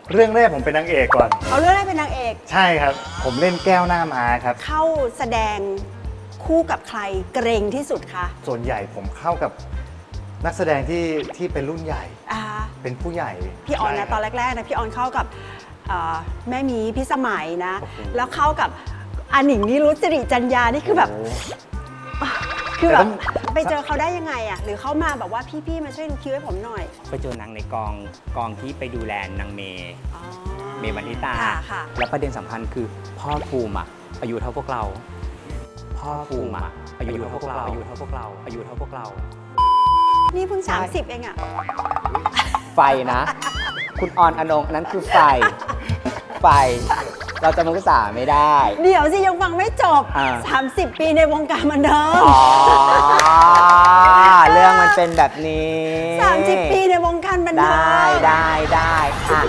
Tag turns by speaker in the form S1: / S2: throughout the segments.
S1: เรื่องแรกผมเป็นนางเอกก่อน
S2: เอาเรื่องแรกเป็นนางเอก
S1: ใช่ครับผมเล่นแก้วหน้าม้าครับ
S2: เข้าแสดงคู่กับใครเกรงที่สุดคะ
S1: ส่วนใหญ่ผมเข้ากับนักแสดงที่เป็นรุ่นใหญ่เป็นผู้ใหญ่
S2: พี่ออนนะตอนแรกๆนะพี่ออนเข้ากับแม่มีพี่สมัยนะแล้วเข้ากับอาหนิงนิรุตสิริจัญญานี่คือแบบไปเจอเขาได้ยังไงอ่ะหรือเขามาแบบว่าพี่ๆมาช่วยดูคิวให้ผมหน่อย
S3: ไปเจอนางในกองที่ไปดูแลนางเมย์วันทิตาแล้วประเด็นสำคัญคือพ่อภูมิอายุเท่าพวกเราพ่อภูมิอายุเท่าพวกเราอายุเท่าพวกเรา
S2: นี่เพิ่ง30เองอ่ะ
S3: ไฟนะคุณออนอนงนั้นคือไฟเราจะมุสาไม่ได้
S2: เดี๋ยวสิยังฟังไม่จบ30 ปีในวงการบันเทิง
S3: เรื่องมันเป็นแบบนี้
S2: 30 ปีในวงการบันเทิง
S3: ได้ค่ะ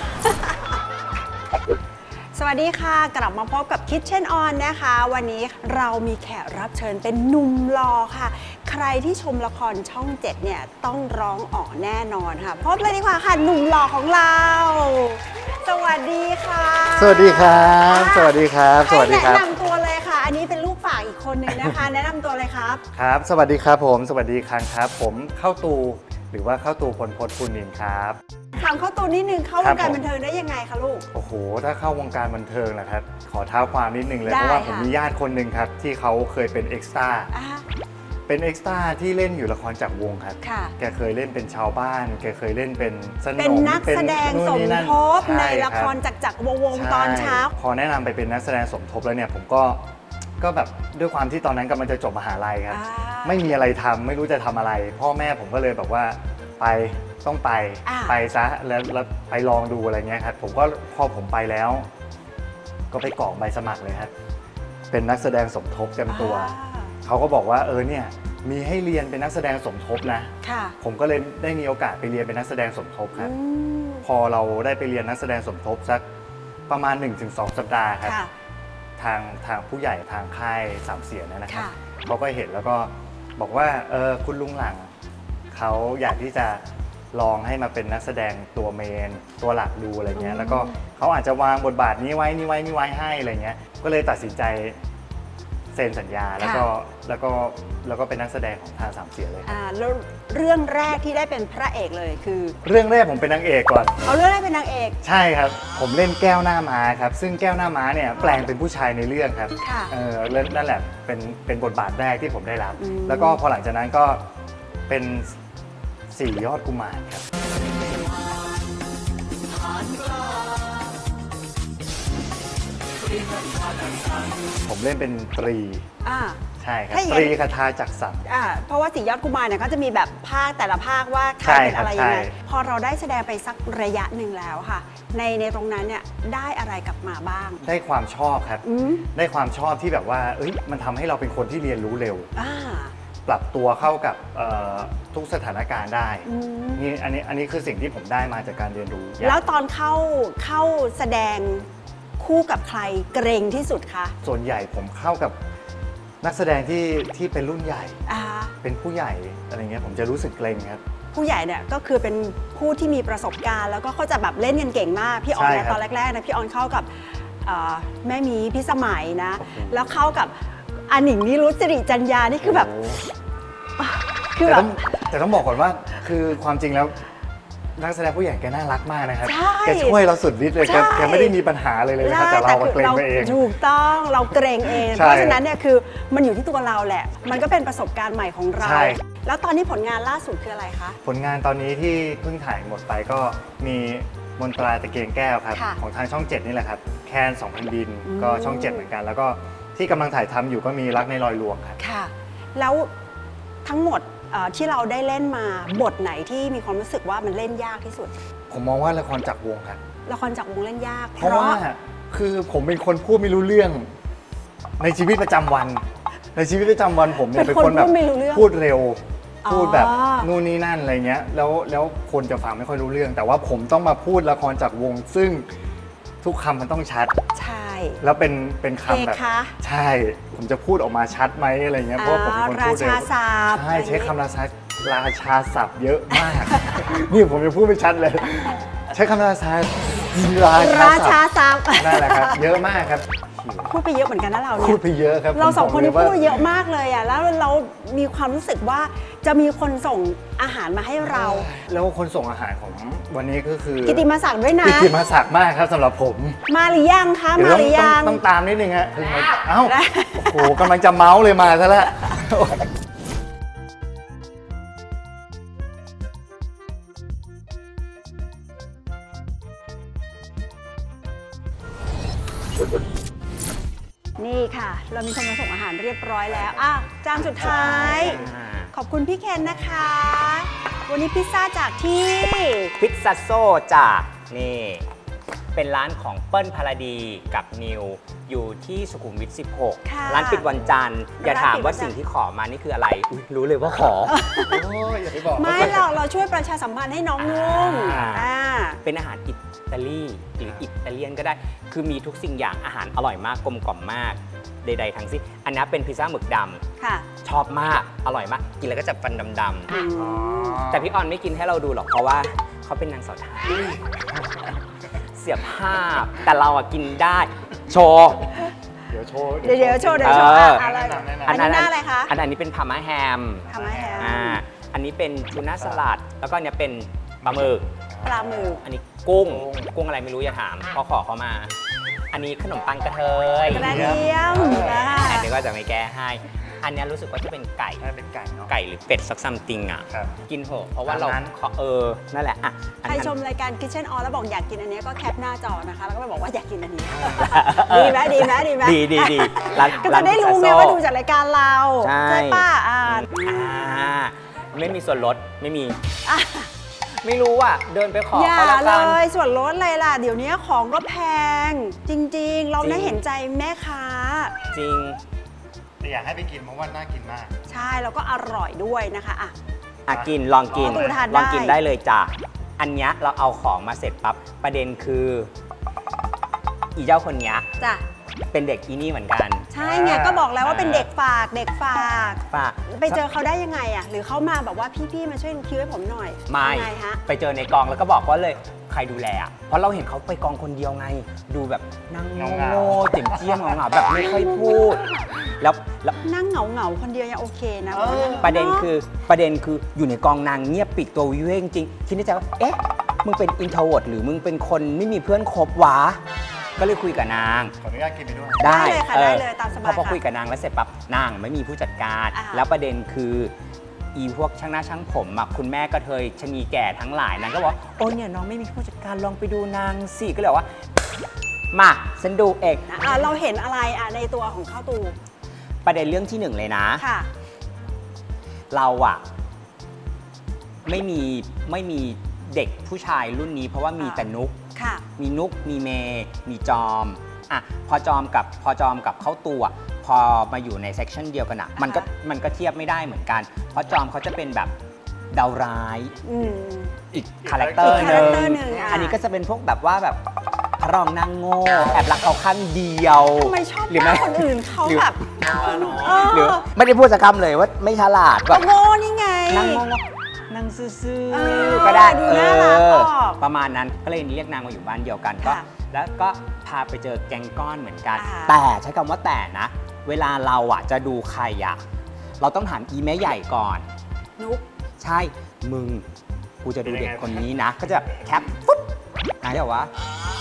S2: สวัสดีค่ะกลับมาพบกับ Kitchen On นะคะวันนี้เรามีแขกรับเชิญเป็นหนุ่มหล่อค่ะใครที่ชมละครช่อง 7เนี่ยต้องร้องอ๋อแน่นอนค่ะพบเลยดีกว่าค่ะหนุ่มหล่อของเราสวัสดีค่ะ
S1: สวัสดีครับสวัสดีครับสวัสดีครับ
S2: แนะนำตัวเลยค่ะอันนี้เป็นลูกฝากอีกคนนึงนะคะ แนะนำตัวเลยครับ
S1: ครับสวัสดีครับผมสวัสดีครับผมเข้าตูหรือว่าเข้าตูพลพจน์ภูนินทร์ครับ
S2: ถามเข้าตูนิดนึงเข้าวงการบันเทิงได้ยังไงคะลูก
S1: โอ้โหถ้าเข้าวงการบันเทิงนะครับขอเท้าความนิดนึงเลยเพราะว่าผมมีญาติคนหนึ่งครับที่เขาเคยเป็นเอ็กซ์ตร้าเป็นเอ็กซ์ตร้าที่เล่นอยู่ละครจากวงครับแกเคยเล่นเป็นชาวบ้านแกเคยเล่นเป็นสนม
S2: เป็นนักแสดงสมทบในละครจากวงตอนเช้า
S1: พอแนะนำไปเป็นนักแสดงสมทบแล้วเนี่ยผมก็แบบด้วยความที่ตอนนั้นกำลังจะจบมหาลัยครับไม่มีอะไรทำไม่รู้จะทำอะไรพ่อแม่ผมก็เลยแบบว่าต้องไปซะแล้วไปลองดูอะไรเงี้ยครับผมก็พอผมไปแล้วก็ไปกรอกใบสมัครเลยครับเป็นนักแสดงสมทบเต็มตัวเขาก็บอกว่าเนี่ยมีให้เรียนเป็นนักแสดงสมทบนะผมก็เลยได้มีโอกาสไปเรียนเป็นนักแสดงสมทบครับพอเราได้ไปเรียนนักแสดงสมทบสักประมาณ 1-2 สัปดาห์ครับทางผู้ใหญ่ทางค่ายสามเสียนะครับเขาก็เห็นแล้วก็บอกว่าคุณลุงหลังเขาอยากที่จะลองให้มาเป็นนักแสดงตัวเมนตัวหลักดูอะไรเงี้ยแล้วก็เขาอาจจะวางบทบาทนี้ไว้ให้อะไรเงี้ยก็เลยตัดสินใจเซ็นสัญญาแล้วก็เป็นนักแสดงของทางสามเสียเลย
S2: แล้วเรื่องแรกที่ได้เป็นพระเอกเลยคือ
S1: เรื่องแรกผมเป็นนางเอกก่อน
S2: เอาเรื่องแรกเป็นนางเอก
S1: ใช่ครับผมเล่นแก้วหน้าม้าครับซึ่งแก้วหน้าม้าเนี่ยแปลงเป็นผู้ชายในเรื่องครับนั่นแหละเป็นบทบาทแรกที่ผมได้รับแล้วก็พอหลังจากนั้นก็เป็น4 ยอดกุมารครับผมเล่นเป็นตรีใช่ครับตรีคทาจักรสรร
S2: เพราะว่า4 ยอดกุมารเนี่ยเขาจะมีแบบภาคแต่ละภาคว่าใครเป็นอะไรยังไงพอเราได้แสดงไปสักระยะหนึ่งแล้วค่ะในตรงนั้นเนี่ยได้อะไรกลับมาบ้าง
S1: ได้ความชอบครับได้ความชอบที่แบบว่ามันทำให้เราเป็นคนที่เรียนรู้เร็วปรับตัวเข้ากับทุกสถานการณ์ได้นี่อันนี้คือสิ่งที่ผมได้มาจากการเรียนรู้
S2: แล้วตอนเข้าแสดงคู่กับใครเกรงที่สุดคะ
S1: ส่วนใหญ่ผมเข้ากับนักแสดงที่เป็นรุ่นใหญ่เป็นผู้ใหญ่อะไรเงี้ยผมจะรู้สึกเกรงครับ
S2: ผู้ใหญ่เนี่ยก็คือเป็นผู้ที่มีประสบการณ์แล้วก็เขาจะแบบเล่นกันเก่งมากพี่ออนเนี่ยตอนแรกๆนะพี่ออนเข้ากับแม่มีพี่สมัยนะแล้วเข้ากับอาหนิงนิรุตสิริจัญญานี่คือแบบ
S1: แต่ต้องบอกก่อนว่าคือความจริงแล้วนักแสดงผู้ใหญ่แกน่ารักมากนะครับแกช่วยเราสุดฤทธิ์เลยแกไม่ได้มีปัญหาเลยนะครับแต่เราเกรงไปเอง
S2: ถูกต้องเราเกรงเองเพราะฉะนั้นเนี่ยคือมันอยู่ที่ตัวเราแหละมันก็เป็นประสบการณ์ใหม่ของเราแล้วตอนนี้ผลงานล่าสุดคืออะไรคะ
S1: ผลงานตอนนี้ที่เพิ่งถ่ายหมดไปก็มีมนตราตะเกียงแก้วครับของทางช่อง 7นี่แหละครับแคน2,000 ดินก็ช่อง 7เหมือนกันแล้วก็ที่กำลังถ่ายทำอยู่ก็มีรักในรอยลวงครับ
S2: ค่ะแล้วทั้งหมดที่เราได้เล่นมาบทไหนที่มีความรู้สึกว่ามันเล่นยากที่สุด
S1: ผมมองว่าละครจากวงครับ
S2: ละครจากวงเล่นยาก
S1: เพราะว่าคือผมเป็นคนพูดไม่รู้เรื่องในชีวิตประจำวันผมเนี่ยเป็นคนแบบพูดเร็วพูดแบบนู่นนี่นั่นอะไรเงี้ยแล้วคนจะฟังไม่ค่อยรู้เรื่องแต่ว่าผมต้องมาพูดละครจากวงซึ่งทุกคำมันต้องชัด
S2: ใช่
S1: แล้วเป็นคำแบบใช่ผมจะพูดออกมาชัดไหมอะไรเงี้ยเพราะผมเป็นคนพูดเร็วใช่ใช้คำราชาศัพท์เยอะมากนี่ผมจะพูดไม่ชัดเลยใช้คำราชา
S2: ราชาซับ
S1: นั่นแหละครับ เยอะมากครับ
S2: พูดไปเยอะเหมือนกันนะเรา
S1: พู
S2: เนี่
S1: ด
S2: ย
S1: ไปเยอะครับ
S2: เราสองคนนี้
S1: ผมบก
S2: พู
S1: ล
S2: ดเยอะมากเลยอ่ะแล้วเรามีความรู้สึกว่าจะมีคนส่งอาหารมาให้เรา
S1: แล้วคนส่งอาหารของวันนี้ก็คือ
S2: กิตติมาศักดิ์ด้วยนะ
S1: กิตติมาศักดิ์มากครับสำหรับผม
S2: มาหรือยังคะ
S1: เดี๋ย
S2: มาว หรือยัง
S1: ต้องตามนิดนึงฮะเพิ่งมาเอ้าโอ้โหกำลังจะเมาส์เลยมาซะแล้ว
S2: นี่ค่ะ เรามีคนมาส่งอาหารเรียบร้อยแล้วอ่ะจานสุดท้าย ขอบคุณพี่เคนนะคะ วันนี้พิซซ่าจากที่
S3: พิซซ่าโซจากนี่ เป็นร้านของเปิ้ลพาราดีกับนิว อยู่ที่สุขุมวิท
S2: ค่ะ
S3: 16 ร้านปิดวันจันทร์ อย่าถามว่า
S2: ร้านปิดวันจันทร์
S3: สิ่งที่ขอมานี่คืออะไรอุ๊ยรู้เลยว่าขอ
S1: โอ้ยอย่าไปบอก
S2: ไม่เราช่วยประชาสัมพันธ์ให้น้องนุ่ม
S3: อ่า เป็นอาหารอิตาลีหรืออิตาเลียนก็ได้ คือมีทุกสิ่งอย่างอาหารอร่อยมากกลมกล่อมมาก ใดๆทั้งสิ้น อันนี้เป็นพิซซ่าหมึกด
S2: ค่ะ
S3: ำชอบมาก อร่อยมาก กินแล้วก็จะฟันดำ
S2: อืม
S3: ๆแต่พี่ออนไม่กินให้เราดูหรอกเพราะว่าเขาเป็นนางสาวไทยเสียภาพ แต่เราอะกินได้ โชว์
S1: เดี๋ยวโชว์
S2: เดี๋ยวโชว์
S3: เออ
S2: อะไร
S1: แนะนำ
S2: อันนี้หน้าอะไรคะ
S3: อันนี้เป็นพาม่าแฮม
S2: ทำไมแฮ
S3: อันนี้เป็นทูน่าสลัด แล้วก็อันเนี้ยเป็นปลาหมึก
S2: ปลาหมึก
S3: อันนี้กุ้งอะไรไม่รู้อย่าถามเพราะขอเขามา อันนี้ขนมปังกระเทย
S2: กระเทียม
S3: อันนี้ก็จะไม่แก้ให้ อันเนี้ยรู้สึกว่าจะเป็นไก่
S1: น่าเป็นไก่เนาะ
S3: ไก่หรือเป็ดสักซัมติงอ่ะ
S1: ครับ
S3: กินเถอะเพราะว่าเรา
S1: ตามนั้น
S3: ขอนั่นแหละอ่ะอัน
S2: ใคร
S3: นั้น
S2: ชมรายการ Kitchen On แล้วบอกอยากกินอันนี้ก็แคปหน้าจอนะคะ แล้วก็ไปบอกว่าอยากกินอันนี้
S3: เออ
S2: ดีไหมดีไหมดีไหม
S3: ดีร้าน
S2: ก็จะได้รู้ไง
S3: พิซซ่
S2: ว่าดูจากรายการเรา
S3: ใช่
S2: ป่ะ
S3: ไม่มีส่วนลดไม่มี ไม่รู้อ่ะเดินไปขอ
S2: อย่า
S3: เขาแล้ว
S2: เล
S3: กัน
S2: ยส่วนลดอะไรล่ะ เดี๋ยวนี้ของก็แพง จริง ๆ เรา
S3: จริง
S2: น่าเห็นใจแม่ค้า
S3: จริง
S1: แต่อยากให้ไปกินเพราะว่าน่ากินมาก
S2: ใช่แล้วก็อร่อยด้วยนะคะอ่ะ
S3: กินลองกิน
S2: ดูทานได้
S3: ลองกินได้เลยจ้ะอันเนี้ยเราเอาของมาเสร็จปั๊บประเด็นคืออีเจ้าคนเนี้ย
S2: จ้ะ
S3: เป็นเด็กอีนี่เหมือนกัน
S2: ใช่ไงก็บอกแล้วว่าเป็นเด็กฝากเด็กฝาก
S3: ป่ะ
S2: ไปเจอเขาได้ยังไงอ่ะ หรือเขามาแบบว่าพี่ๆมาช่วยคิวให้ผมหน่อย
S3: ไม่
S2: ยังไงฮะ
S3: ไปเจอในกองแล้วก็บอกว่าเลยใครดูแลอ่ะเพราะเราเห็นเขาไปกองคนเดียวไง ดูแบบนั่ง
S1: เงา
S3: โง่ๆเจียมเจียมๆเหงาๆแบบไม่ค่อยพูด แล้ว
S2: นั่งเหงาๆคนเดียวยังโอเคนะ
S3: ประเด็นคืออยู่ในกองนางเงียบปิดตัววิเวกจริงๆคิดในใจว่าเอ๊ะมึงเป็นอินโทรเวิร์ตหรือมึงเป็นคนไม่มีเพื่อนคบวะก็เลยคุยกับนาง
S1: ขออนุญาตกินไปด้วย
S2: ได้เลยค่ะได้เลยตามสบาย
S3: พอ
S2: ค่ะ
S3: คุยกับนางแล้วเสร็จปั๊บนางไม่มีผู้จัดการ
S2: อ่า
S3: แล้วประเด็นคืออีพวกช่างหน้าช่างผมอะคุณแม่กระเทยชะนีแก่ทั้งหลายนางก็บอกโอ้เนี่ยน้องไม่มีผู้จัดการลองไปดูนางสิก็เลยบอกว่ามาฉันดูเอก
S2: เราเห็นอะไรในตัวของข้าวตู
S3: ประเด็นเรื่องที่หนึ่งเลยนะ
S2: ค่ะ
S3: เราอะไม่มีเด็กผู้ชายรุ่นนี้เพราะว่ามีแต่นุก
S2: ค่ะ
S3: มีนุกมีเมย์มีจอมอ่ะพอจอมกับเข้าตัวพอมาอยู่ในเซกชันเดียวกันอะมันก็เทียบไม่ได้เหมือนกัน เพราะจอมเขาจะเป็นแบบดาวร้าย
S2: อืม
S3: อีกคาแรคเตอร์
S2: อีก
S3: ห
S2: คาแร
S3: นึ่
S2: คเตอร์
S3: ง
S2: หนึ่งอ่ะ
S3: อันนี้ก็จะเป็นพวกแบบว่าแบบพระรองนางโง่แอบรักเขาข้างเดียว
S2: ทำไมชอบ
S3: หรือ
S2: ห
S3: ไม่
S2: น้าคนอื่นเขา
S3: หรือ
S2: แบบเ
S3: หรือไม่ได้พูดสักคำเลยว่าไม่ฉลาดแบ
S2: ก็
S3: บ
S2: โง่นี่ไง
S3: นางโง่นางซื่อ
S2: เออ
S3: ๆก็ได้
S2: ดูน่ารักออก
S3: ประมาณนั้นก็เลยเรียกนางมาอยู่บ้านเดียวกันก็
S2: ค่ะ
S3: แล้วก็พาไปเจอแก๊งก้อนเหมือนกัน
S2: อ่า
S3: แต่ใช้คำว่าแต่นะ เวลาเราอะจะดูใครอะเราต้องถามอีแม่ใหญ่ก่อน
S2: นุก
S3: ใช่มึงกูจะดูเด็กคนนี้นะ ก็จะแคปปุ๊บเดี๋ยววะ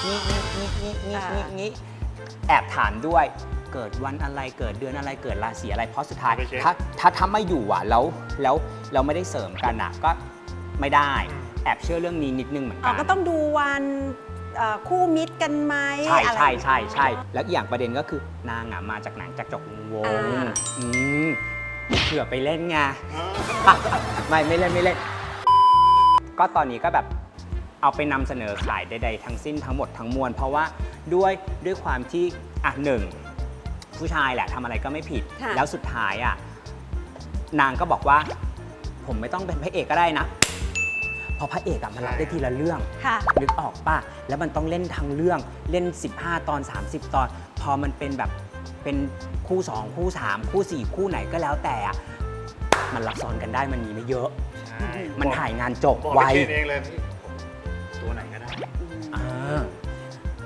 S3: นี่แอบถามด้วยเกิดวันอะไรเกิดเดือนอะไรเกิดราศีอะไรเพราะสุดท้าย
S1: ไปเช็ค
S3: ถ้าไม่อยู่อ่ะแล้วไม่ได้เสริมกันอ่ะก็ไม่ได้แอบเชื่อเรื่องนี้นิดนึงเหมือนกัน
S2: ก็ต้องดูวันคู่มิตรกันไหม
S3: ใช่
S2: อะไร
S3: ใช่แล้วอีกอย่างประเด็นก็คือนางอ่ะมาจากหนังจากจกวง
S2: อ่า
S3: เผื่อไปเล่นไง ไม่เล่น ก็ตอนนี้ก็แบบเอาไปนำเสนอขายใดๆทั้งสิ้นทั้งหมดทั้งมวลเพราะว่าด้วยความที่หนึ่งผู้ชายแหละทำอะไรก็ไม่ผิด
S2: ค่ะ
S3: แล้วสุดท้ายนางก็บอกว่า ผมไม่ต้องเป็นพระเอกก็ได้นะเพราะพระเอกมันรับได้ทีละเรื่อง
S2: ค่ะ
S3: นึกออกป่ะ แล้วมันต้องเล่นทั้งเรื่อง เล่น 15 ตอน 30 ตอน พอมันเป็นแบบเป็นคู่ 2 คู่ 3 คู่ 4 คู่ไหนก็แล้วแต่มันรับซ้อนกันได้มันมีไม่เยอะ มันถ่ายงานจบ
S1: บอก
S3: ไว
S1: พี่เคนเองเลยพี่ตัวไหนก็ได้
S3: อ่า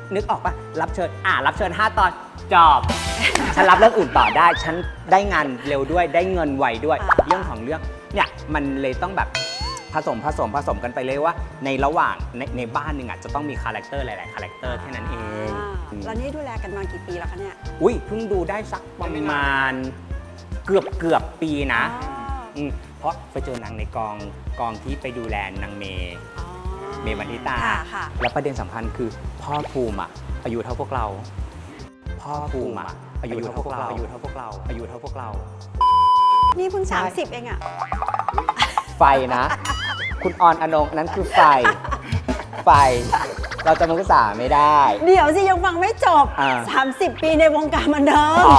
S3: นึกออกปะรับเชิญรับเชิญ5 ตอนจอบ ฉันรับเรื่องอื่นต่อได้ฉันได้งานเร็วด้วยได้เงินไวด้วยเรื่องของเรื่องเนี่ยมันเลยต้องแบบผสมกันไปเลยว่าในระหว่างในบ้านหนึ่งจะต้องมีคาแรคเตอร์หลายๆคาแรคเตอร์แค่นั้นเอง
S2: แล้วนี่ดูแลกันมากี่ปีแล้วคะเนี่ย
S3: อุ้ยเพิ่งดูได้สักประมาณเกือบปีนะ เพราะไปเจอนางในกองที่ไปดูแลนางเมย์วันทิตา แล้วประเด็นสำคัญคือพ่อภูมิอายุเท่าพวกเราพ่อภูมิอายุเท่าพวกเราอายุเท่าพวกเรา
S2: นี่เพิ่ง30เองอะ
S3: ไฟนะ คุณออนอนงนั้นคือไฟเราจะมุสาไม่ได้
S2: เดี๋ยวสิยังฟังไม่จบ 30 ปีในวงการบันเทิง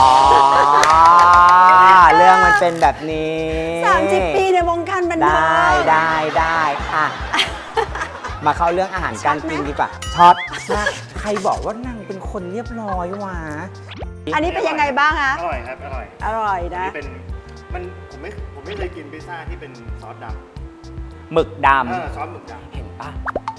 S3: เรื่องมันเป็นแบบนี้
S2: 30 ปีในวงการบันเทิง
S3: ได้มาเข้าเรื่องอาหารการกินดีกว่าช็อตใครบอกว่านางเป็นคนเรียบร้อยวะ
S2: อันนี้เป็นยังไงบ้างคะ
S1: อร่อยครับอร่อย
S2: อร่อยนะ
S1: นี่เป็นผมไม่เคยกินพิซซ่าที่เป็นซอสดำ
S3: หมึกด
S1: ซอสหมึกด
S3: ำเห็นปะ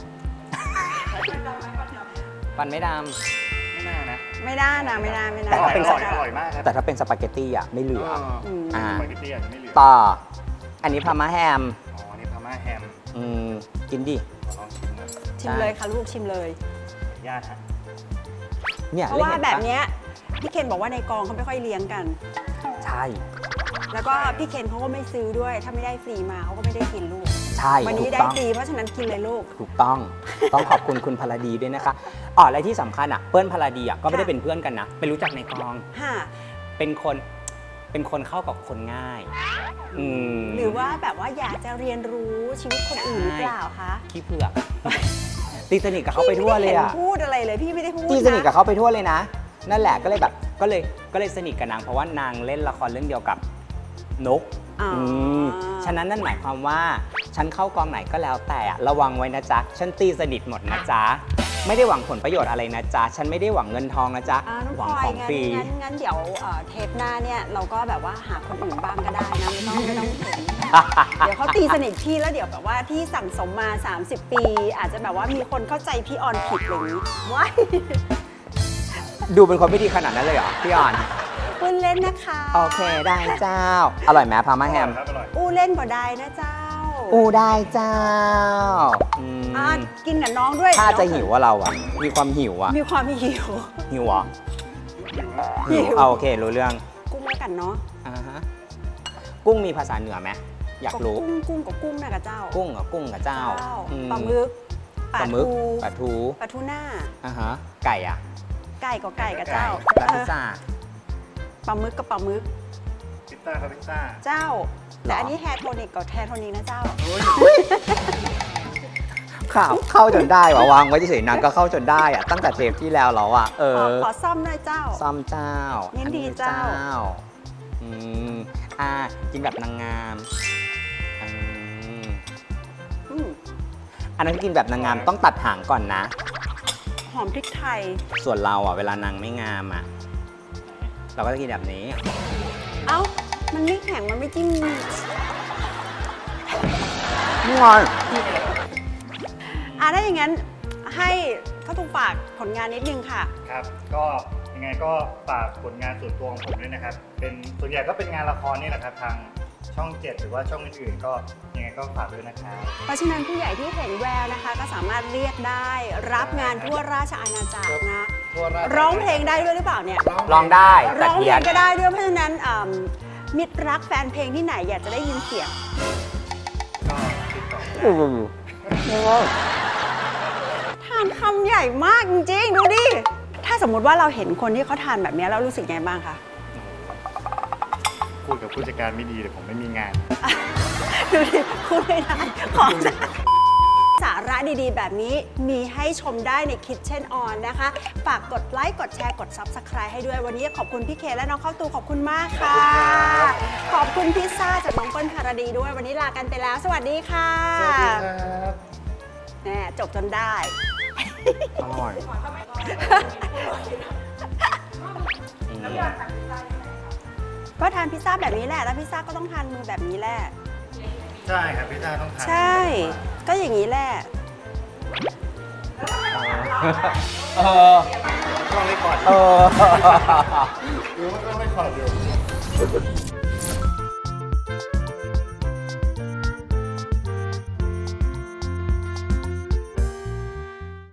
S3: ฟันไม่ด
S1: ำไม่น่านะ
S2: ไม่น่านะไม่น่า
S3: แต่ถ้าเป็น
S1: อร่อยมากครับ
S3: ำแต่ถ้าเป็นสปาเกตตี้ไม่เหลือ
S1: สปาเกตตี้อาจจะไม่เหลือ
S3: ต่ออันนี้พาม่าแฮม
S1: อันนี้พาม่าแฮม
S3: กินดิ
S1: ลองชิมนะ
S2: ชิมเลยค่ะลูกชิมเลย
S1: ญาติฮะ
S3: เนี่ย
S2: เพราะว่าแบบเนี้ยพี่เคนบอกว่าในกองเขาไม่ค่อยเลี้ยงกัน
S3: ใช่
S2: แล้วก็พี่เคนเขาก็ไม่ซื้อด้วย ถ้าไม่ได้ฟรีมาเขาก็ไม่ได้กินลูก
S3: ใช่
S2: วัน
S3: ถู
S2: นี้
S3: ก
S2: ได้
S3: ต้อง
S2: ฟรีเพราะฉะนั้นกินเลยลูก
S3: ถูกต้องขอบคุณคุณพลดีด้วยนะคะและที่สำคัญเปิ้ลพลดีก็ไม่ได้เป็นเพื่อนกันนะไปรู้จักในกอง
S2: ค่ะ
S3: เป็นคนเข้ากับคนง่าย
S2: หรือว่าแบบว่าอยากจะเรียนรู้ชีวิตคนอื่นหรือเปล่าคะ
S3: ขี้เผือก ตีสนิทกับเขาไปทั่วเลย
S2: พี่ไม่ได้ห็นพูดอะไรเลยพี่ไม่ได้พูด
S3: ตีสนิทกับ
S2: นะ
S3: เขาไปทั่วเลยนะ นั่นแหละก็เลยแบบก็เลยสนิทกับนางเพราะว่านางเล่นละครเรื่องเดียวกับนกฉะนั้นนั่นหมายความว่าฉันเข้ากองไหนก็แล้วแต่ระวังไว้นะจ๊ะฉันตีสนิทหมดนะจ๊ะไม่ได้หวังผลประโยชน์อะไรนะจ๊ะฉันไม่ได้หวังเงินทองนะจ๊ะ
S2: น้อง
S3: หวั
S2: พลอย
S3: ของฟรี
S2: งั้นเดี๋ยวเทปหน้าเนี่ยเราก็แบบว่าหาคนอื่นบ้างก็ได้นะไม่ต้องเห็นเดี๋ยวเขาตีสนิทพี่แล้วเดี๋ยวแบบว่าที่สั่งสมมา 30 ปี อาจจะแบบว่ามีคนเข้าใจพี่ออนผิดอย่างนี้ว้าย
S3: ดูเป็นคนไม่ดีขนาดนั้นเลยเหรอพี่อ่อน
S2: พูดเล่นนะคะ
S3: โอเคได้เจ้า อร่อยไหมพาม่าแฮม
S1: ครับอร่อย
S2: อู้เล่นบ่ได้นะเจ้า
S3: ได้เจ้า
S2: กินกับน้องด้วย
S3: ถ้าจะหิวว่าเรามีความหิว
S2: มีความหิว
S3: หิวเหรอ
S2: หิว
S3: โอเครู้เรื่อง
S2: กุ้งแล้วกันเนาะ
S3: กุ้งมีภาษาเหนือไหมอยากรู้
S2: กุ้งกับกุ้งนะกับเจ้า
S3: กุ้งกับเจ้า
S2: ปลาหมึก
S3: ปลาหมึกปลาทู
S2: ปลาทูน่า
S3: ไก่
S2: ไก่กับไก่กับเจ้า
S3: ปลาพิซซ่า
S2: ปลาหมึกกับปลาหมึก
S1: พิซซ่าครับพิซซ่า
S2: เจ้า แต่อันนี้แฮร์โทนิกกับแฮร์โทนิกนะเจ้า
S3: เข้าจนได้วางไว้เฉยๆนางก็เข้าจนได้ตั้งแต่เทปที่แล้วเรา
S2: ขอซ่อมหน่อยเจ้า
S3: ซ่อมเจ้า
S2: ยินดีเจ้า
S3: กินแบบนางงามอันนั้นกินแบบนางงามต้องตัดหางก่อนนะ
S2: หอมพริกไทย
S3: ส่วนเราเวลานางไม่งามเราก็จะกินแบบนี้
S2: เอ้า มันไม่แข็ง มันไม่จิ้ม
S3: นี่ไง
S2: ถ้าอย่างนั้นให้ข้าวตุ้มฝากผลงานนิดนึงค่ะ
S1: ครับ ก็ยังไงก็ฝากผลงานส่วนตัวของผมด้วยนะครับ เป็นส่วนใหญ่ก็เป็นงานละครนี่แหละครับทางช่อง 7 หรือว่าช่องอื่นๆก็ยังไงก็ฝากด้วยนะครับ
S2: เพราะฉะนั้นผู้ใหญ่ที่เห็นแววนะคะ ก็สามารถเรียกได้ รับงานทั่วราชอาณาจักรนะ ร้องเพลงได้ด้วยหรือเปล่าเนี่ย
S3: ลองได้แต่
S2: ร้อง
S3: เพี
S2: เพ
S3: ย
S2: ล
S3: น
S2: งก็ได้ด้วย เพราะฉะนั้นมิตรรักแฟนเพลงที่ไหนอยากจะได้ยินเสียง
S1: ก็ติดต่อได้
S2: ทานคำใหญ่มากจริงๆ ดูดิ ถ้าสมมุติว่าเราเห็นคนที่เขาทานแบบนี้แล้วรู้สึกไงบ้างคะ
S1: พูดกับผู้จัดการไม่ดีแต่ผมไม่มีงาน
S2: ดูดิพูดไม่ได้ของสาระดีๆ แบบนี้มีให้ชมได้ใน Kitchen On นะคะ ฝากกดไลค์กดแชร์กด Subscribe ให้ด้วยวันนี้ขอบคุณพี่เคและน้องข้าวตูขอบคุณมากค่ะ ขอบคุณพิซซ่าจากน้องเปิ้ลภารดีด้วยวันนี้ลากันไปแล้ว สวัสดีค่ะ
S1: สวัสดีครับ
S2: แน่จบจนได้
S3: อร่อย
S2: ก็ทานพิซซ่าแบบนี้แหละ แล้วพิซซ่าก็ต้องทานมือแบบนี้แหละ
S1: ใช่ครับพิซซ่าต้องทาน
S2: ใช่ ก็อย่างนี้แหละ
S3: เออ
S1: ก็ไม่ขอด
S3: เออ
S1: หรือว่าก็ไม่ขอดอยู่